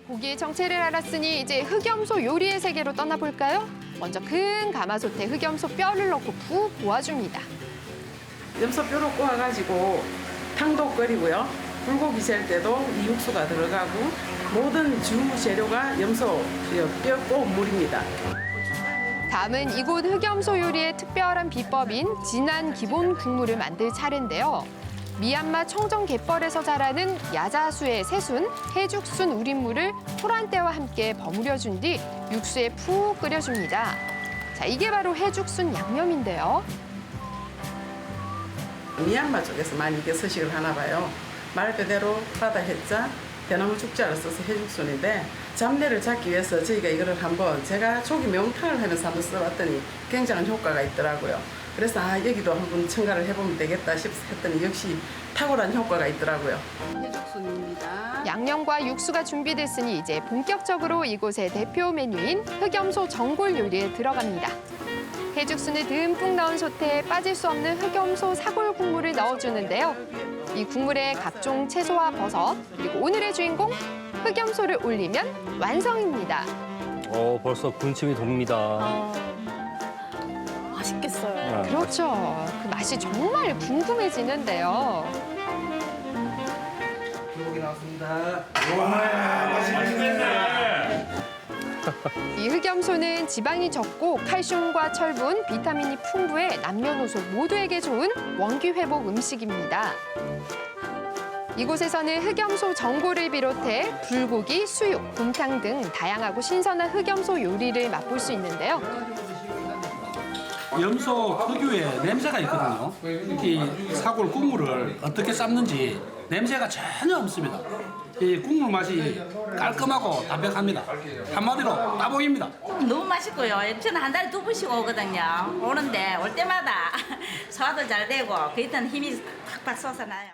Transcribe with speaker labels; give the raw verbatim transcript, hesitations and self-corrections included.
Speaker 1: 고기의 정체를 알았으니 이제 흑염소 요리의 세계로 떠나볼까요? 먼저 큰 가마솥에 흑염소 뼈를 넣고 푹 고아줍니다.
Speaker 2: 염소뼈로 꼬아가지고 탕도 끓이고요. 불고기 셀 때도 이 육수가 들어가고 모든 주 재료가 염소 뼈 꼬물입니다.
Speaker 1: 다음은 이곳 흑염소 요리의 특별한 비법인 진한 기본 국물을 만들 차례인데요. 미얀마 청정 갯벌에서 자라는 야자수의 새순, 해죽순 우린물을 토란대와 함께 버무려준 뒤 육수에 푹 끓여줍니다. 자, 이게 바로 해죽순 양념인데요.
Speaker 2: 미얀마 쪽에서 많이 이게 서식을 하나 봐요. 말 그대로 바다 해자, 대나무 죽자를 써서 해죽순인데 잡내를 잡기 위해서 저희가 이거를 한번 제가 초기 매운탕을 하면서 한번 써봤더니 굉장한 효과가 있더라고요. 그래서 아 여기도 한번 첨가를 해보면 되겠다 싶어서 했더니 역시 탁월한 효과가 있더라고요. 해죽순입니다.
Speaker 1: 양념과 육수가 준비됐으니 이제 본격적으로 이곳의 대표 메뉴인 흑염소 전골 요리에 들어갑니다. 해죽순을 듬뿍 넣은 솥에 빠질 수 없는 흑염소 사골 국물을 넣어주는데요. 이 국물에 각종 채소와 버섯, 그리고 오늘의 주인공 흑염소를 올리면 완성입니다.
Speaker 3: 어, 벌써 군침이 돕니다.
Speaker 4: 아, 맛있겠어요.
Speaker 3: 네.
Speaker 1: 그렇죠. 그 맛이 정말 궁금해지는데요.
Speaker 5: 불고기 나왔습니다.
Speaker 1: 이 흑염소는 지방이 적고 칼슘과 철분, 비타민이 풍부해 남녀노소 모두에게 좋은 원기 회복 음식입니다. 이곳에서는 흑염소 전골을 비롯해 불고기, 수육, 곰탕 등 다양하고 신선한 흑염소 요리를 맛볼 수 있는데요.
Speaker 6: 염소 특유의 냄새가 있거든요. 이 사골 국물을 어떻게 삶는지 냄새가 전혀 없습니다. 이 국물 맛이 깔끔하고 담백합니다. 한마디로 따봉입니다.
Speaker 7: 너무 맛있고요. 저는 한 달에 두 번씩 오거든요. 오는데 올 때마다 소화도 잘 되고 그랬던 힘이 팍팍 솟아나요.